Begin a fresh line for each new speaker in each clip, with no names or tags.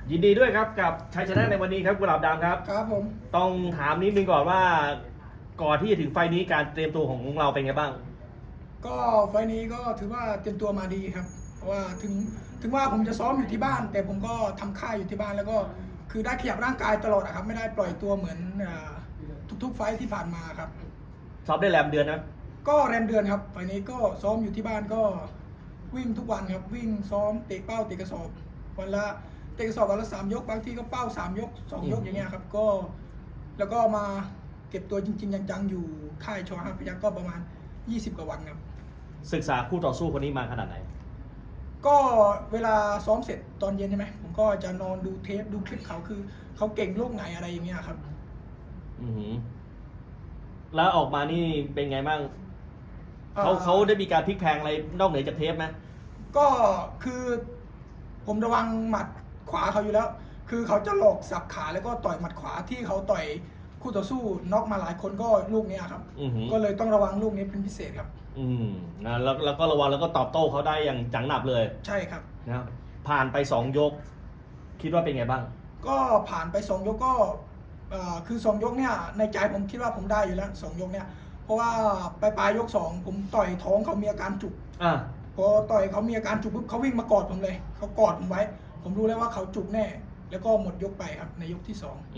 ยินดีด้วยครับกับชัยชนะในวันนี้ครับกุหลาบดำครับ
ครับผม
ต้องถามนิดนึงก่อนว่าก่อนที่จะถึงไฟนี้การเตรียมตัวของเราเป็นไงบ้าง
ก็ไฟล์นี้ก็ถือว่าเตรียมตัวมาดีครับเพราะว่าถึงว่าผมจะซ้อมอยู่ที่บ้าน แต่ผมก็ทำค่ายอยู่ที่บ้านแล้วก็คือได้ขยับร่างกายตลอดครับไม่ได้ปล่อยตัวเหมือนทุกๆไฟล์ที่ผ่านมาครับ
ซ้อมได้แรมเดือนนะ
ก็แรมเดือนครับไฟล์นี้ก็ซ้อมอยู่ที่บ้านก็วิ่งทุกวันครับวิ่งซ้อมเตะเป้าเตะกระสอบวันละเตะกระสอบวันละ3 ยกบางทีก็เป้า3 ยก 2 ยกอย่างเงี้ยครับก็แล้วก็มาเก็บตัวจริงๆจังๆอยู่ค่ายชอห้าพยัคฆ์ก็ประมาณ20 กว่าวันครับ
ศึกษาคู่ต่อสู้คนนี้มาขนาดไหน
ก็เวลาซ้อมเสร็จตอนเย็นใช่ไหมผมก็จะนอนดูเทปดูคลิปเขาคือเขาเก่งลูกไหนอะไรอย่างเงี้ยครับ
แล้วออกมานี่เป็นไงบ้างเขาได้มีการพลิกแพลงอะไรนอกเหนือจากเทปไหม
ก็คือผมระวังหมัดขวาเขาอยู่แล้ว คือเขาจะหลอกสับขาแล้วก็ต่อยหมัดขวาที่เขาต่อยคู่ต่อสู้น็อกมาหลายคนก็ลูกนี้ครับก็เลยต้องระวังลูกนี้เป็นพิเศษครับ
นะแล้วก็ระวังแล้วก็ตอบโต้เขาได้อย่างจังหนับเลย
ใช่ครับ
นะผ่านไป2 ยกคิดว่าเป็นไงบ้าง
ก็ผ่านไป2 ยกก็คือ2 ยกเนี่ยในใจผมคิดว่าผมได้อยู่แล้ว2 ยกเนี่ยเพราะว่าปลายยก 2ผมต่อยท้องเขามีอาการจุกพอต่อยเขามีอาการจุกปุ๊บเขาวิ่งมากอดผมเลยเขากอดผมไว้ผมรู้แล้วว่าเขาจุกแน่แล้วก็หมดยกไปครับในยกที่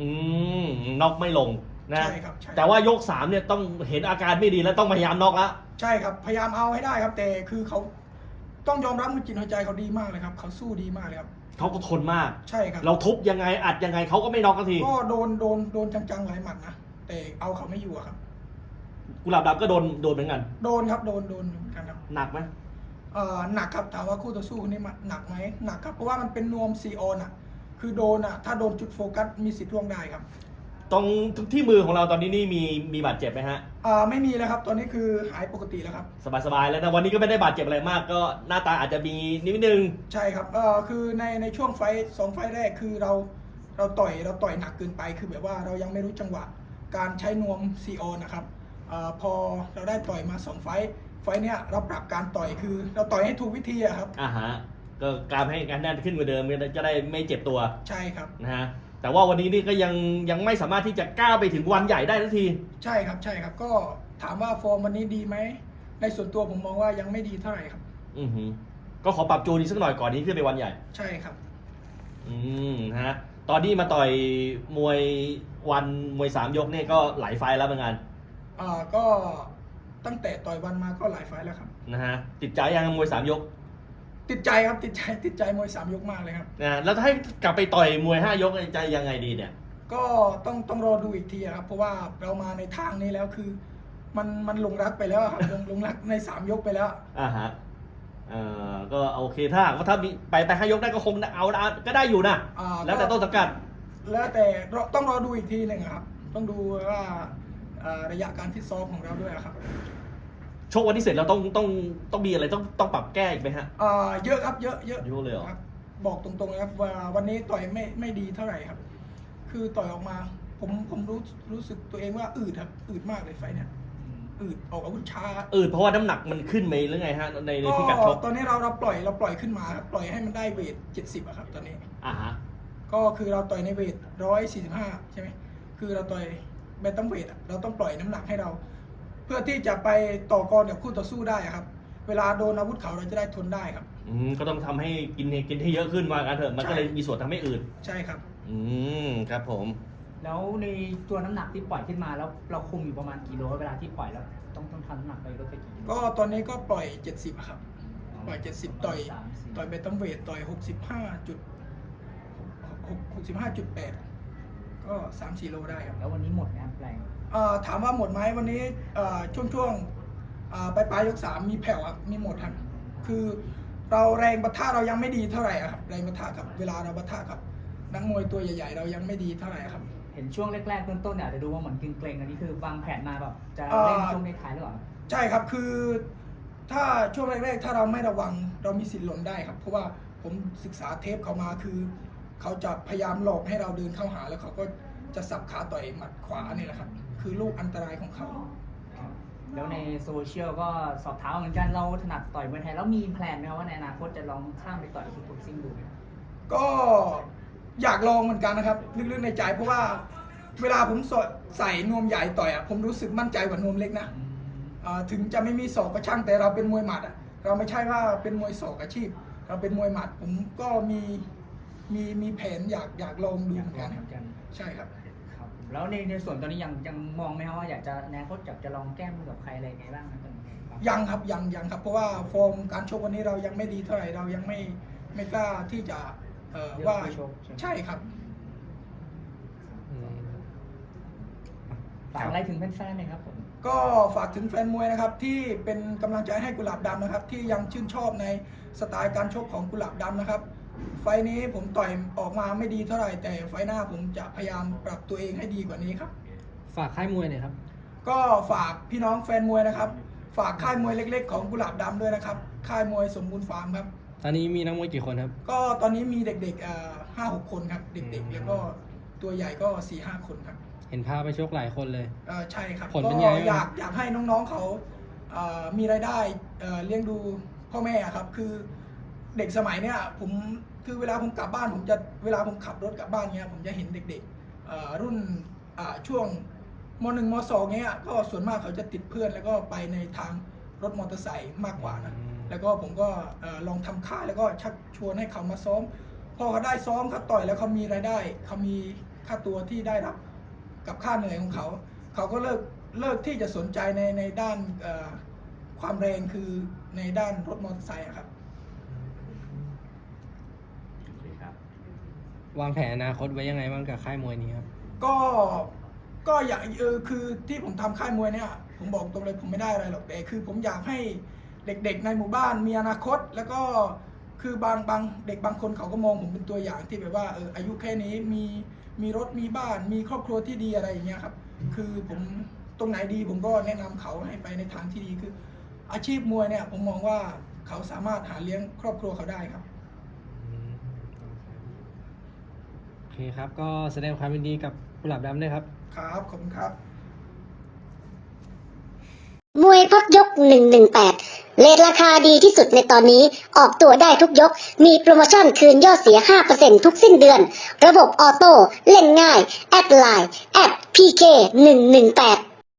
2
น็อกไม่ลงนะ
ใช่ครับ
แต่ว่ายก3เนี่ยต้องเห็นอาการไม่ดีแล้วต้องพยายามน็อกแล้ว
ใช่ครับพยายามเอาให้ได้ครับแต่คือเขาต้องยอมรับว่าจิตหัวใจเขาดีมากเลยครับเขาสู้ดีมากเลยครับ
เขาก็ทนมาก
ใช่ครับ
เราทุบยังไงอัดยังไงเขาก็ไม่น็อกสักที
ก็โดนจังๆหลายหมัดนะแต่เอาเขาไม่อยู่ครับ
กุหลาบดำก็โดนเหมือนกัน
โดนครับโดนเหมือนกันครับ
หนักไหม
หนักครับถามว่าคู่ต่อสู้คนนี้หนักไหมหนักครับเพราะว่ามันเป็นนวมซีออนคือโดนถ้าโดนจุดโฟกัสมีสิทธิ์ร่วงได้ครับ
ตรงที่มือของเราตอนนี้นี่มีบาดเจ็บไหมฮะ
ไม่มีแล้วครับตอนนี้คือหายปกติแล้วครับ
สบายแล้วนะวันนี้ก็ไม่ได้บาดเจ็บอะไรมากก็หน้าตาอาจจะมีนิดนึง
ใช่ครับคือในช่วง2 ไฟแรกคือเราต่อยหนักเกินไปคือแบบว่าเรายังไม่รู้จังหวะการใช้นวมซีออนนะครับพอเราได้ต่อยมา2 ไฟเนี้ยเราปรับการต่อยคือเราต่อยให้ถูกวิธีครับ
ฮะก็การให้การแน่นขึ้นกว่าเดิมจะได้ไม่เจ็บตัว
ใช่ครับ
นะฮะแต่ว่าวันนี้นี่ก็ยังไม่สามารถที่จะก้าวไปถึงวันใหญ่ได้ทันที
ใช่ครับก็ถามว่าฟอร์มวันนี้ดีไหมในส่วนตัวผมมองว่ายังไม่ดีเท่าไหร่ครับ
ก็ขอปรับจูนอีกสักหน่อยก่อนนี้ขึ้นไปวันใหญ่
ใช่ครับ
ฮะตอนนี้มาต่อยมวย3 ยกเนี่ยก็หลายไฟแล้วเหมือนกัน
ก็ตั้งแต่ต่อยวันมาก็หลายไฟแล้วครับ
นะฮะติดใจยังมวย3 ยก
ติดใจครับติดใจมวย3 ยกมากเลยครับ
แล้วถ้าให้กลับไปต่อยมวย5 ยกใจยังไงดีเนี่ย
ก็ต้องรอดูอีกทีครับเพราะว่าเรามาในทางนี้แล้วคือมันลงรักไปแล้วครับลงรักใน3 ยกไปแล้ว
ฮะก็โอเคถ้ามีไป5 ยกได้ก็คงเอาก็ได้อยู่นะแล้วแต่ต้นสังกัด
แล้วแต่ต้องรอดูอีกทีหนึ่งครับต้องดูว่าระยะการฟิตซ้อมของเราด้วยครับ
ชกวันที่เสร็จเราต้องมีอะไรต้องปรับแก้อีกไหมฮะ
เยอะครับเยอะ
เลยเหรอ
ครับบอกตรงๆนะครับว่าวันนี้ต่อยไม่ดีเท่าไหร่ครับคือต่อยออกมาผมรู้สึกตัวเองว่าอืดครับอืดมากเลยไฟเนี่ยอืดออกอาวุธช้า
เพราะว่าน้ำหนักมันขึ้นไหมหรือไงฮะในพิกัดชก
ตอนนี้เราปล่อยขึ้นมาครับปล่อยให้มันได้เวท70ครับตอนนี้
ฮะ
ก็คือเราต่อยในเวท145ใช่ไหมคือเราต่อยแบนตัมเวทเราต้องปล่อยน้ำหนักให้เราเพื่อที่จะไปต่อกรกับคู่ต่อสู้ได้ครับเวลาโดนอาวุธเขาเราจะได้ทนได้ครับ
ก็ต้องทำให้กินให้เยอะขึ้นมากันเถอะมันก็เลยมีส่วนทำให้อืด
ใช่ครับ
ครับผม
แล้วในตัวน้ำหนักที่ปล่อยขึ้นมาแล้วเราคุมอยู่ประมาณกี่โลเวลาที่ปล่อยแล้วต้องทำน้ำหนักไปลดไปกี่กิโล
ก็ตอนนี้ก็ปล่อย70ครับปล่อย70ต่อยแบนตัมเวทต่อย65.8ก็3-4 โลได้ครับ
แล้ววันนี้หมดไหมครับแรง
ถามว่าหมดไหมวันนี้ช่วงปลายยก 3มีแผ่วครับมีหมดครับคือเราแรงปะทะเรายังไม่ดีเท่าไหร่ครับแรงปะทะกับเวลาเราปะทะกับนักมวยตัวใหญ่ๆเรายังไม่ดีเท่าไหร่ครับ
เห็นช่วงแรกๆต้นๆเนี่ยอาจจะดูว่าเหมือนเกรงๆอันนี้คือวางแผนมาแบบจะเล่นช่วงในท้ายหรือเปล่า
ใช่ครับคือถ้าช่วงแรกๆถ้าเราไม่ระวังเรามีสิทธิ์หล่นได้ครับเพราะว่าผมศึกษาเทปเขามาคือเขาจะพยายามหลอกให้เราเดินเข้าหาแล้วเขาก็จะสับขาต่อยหมัดขวานี่แหละครับคือลูกอันตรายของเขา
แล้วในโซเชียลก็สอบถามเหมือนกันเราถนัดต่อยมวยไทยแล้วมีแพลนไหมครับว่าในอนาคตจะลองข้ามไปต่อยคิกบ็อกซิ่งดู
ก็อยากลองเหมือนกันนะครับลึกๆในใจ เพราะว่าเวลาผมใส่นวมใหญ่ต่อยผมรู้สึกมั่นใจกว่านวมเล็กนะถึงจะไม่มีศอกก็ช่างแต่เราเป็นมวยหมัดเราไม่ใช่ว่าเป็นมวยศอกอาชีพ เราเป็นมวยหมัดผมก็มีแผนอยากลองดูเหมือนกันครับใช่ครับ
ครับแล้วในส่วนตอนนี้ยังมองไหมครับว่าอยากจะแนวโค้ชจะลองแก้มือกับใครอะไรไงบ้างนะตอนนี้ครับ
ยังครับยังครับเพราะว่าฟอร์มการชกวันนี้เรายังไม่ดีเท่าไหร่เรายังไม่กล้าที่จะว่าใช่ครับ
ฝากอะไรถึงแฟนๆหน่อยครับผม
ก็ฝากถึงแฟนมวยนะครับที่เป็นกำลังใจให้กุหลาบดำนะครับที่ยังชื่นชอบในสไตล์การชกของกุหลาบดำนะครับไฟล์นี้ผมต่อยออกมาไม่ดีเท่าไหร่แต่ไฟล์หน้าผมจะพยายามปรับตัวเองให้ดีกว่านี้ครับ
ฝากค่ายมวยหน่อยครับ
ก็ฝากพี่น้องแฟนมวยนะครับฝากค่ายมวยเล็กๆของกุหลาบดำด้วยนะครับค่ายมวยสมบูรณ์ฟาร์มครับ
ตอนนี้มีนักมวยกี่คนครับ
ก็ตอนนี้มีเด็กๆ5-6 คนครับเด็กๆแล้วก็ตัวใหญ่ก็ 4-5 คนครับ
เห็นพาไปชกหลายคนเลย
ใช่ครับ
ผลเป็น
ก็
ไง
อยากให้น้องๆเขามีรายได้เลี้ยงดูพ่อแม่ครับคือเด็กสมัยเนี้ยผมคือเวลาผมกลับบ้านเวลาผมขับรถกลับบ้านเนี้ยผมจะเห็นเด็กๆรุ่นช่วงม.1 ม.2 เนี้ยก็ส่วนมากเขาจะติดเพื่อนแล้วก็ไปในทางรถมอเตอร์ไซค์มากกว่านะแล้วก็ผมก็ลองทำค่ายแล้วก็ชักชวนให้เขามาซ้อมพอเขาได้ซ้อมเขาต่อยแล้วเขามีรายได้เขามีค่าตัวที่ได้รับกับค่าเหนื่อยของเขาเขาก็เลิกที่จะสนใจในด้านความแรงคือในด้านรถมอเตอร์ไซค์ครับ
วางแผนอนาคตไว้ยังไงบ้างกับค่ายมวยนี้ครับ
ก็อยากคือที่ผมทำค่ายมวยเนี่ยผมบอกตรงเลยผมไม่ได้อะไรหรอกแต่คือผมอยากให้เด็กๆในหมู่บ้านมีอนาคตแล้วก็คือบางเด็กบางคนเขาก็มองผมเป็นตัวอย่างที่แบบว่าอายุแค่นี้มีรถมีบ้านมีครอบครัวที่ดีอะไรอย่างเงี้ยครับคือผมตรงไหนดีผมก็แนะนำเขาให้ไปในทางที่ดีคืออาชีพมวยเนี่ยผมมองว่าเขาสามารถหาเลี้ยงครอบครัวเขาได้ครับ
โอเคครับ ก็แสดงความยินดีกับกุหลาบดำด้วยครับ
ครับขอบคุณครับ
มวยพักยก 118 เรทราคาดีที่สุดในตอนนี้ ออกตัวได้ทุกยก มีโปรโมชั่นคืนยอดเสีย 5% ทุกสิ้นเดือน ระบบออโต้ เล่นง่าย แอดไลน์ @PK118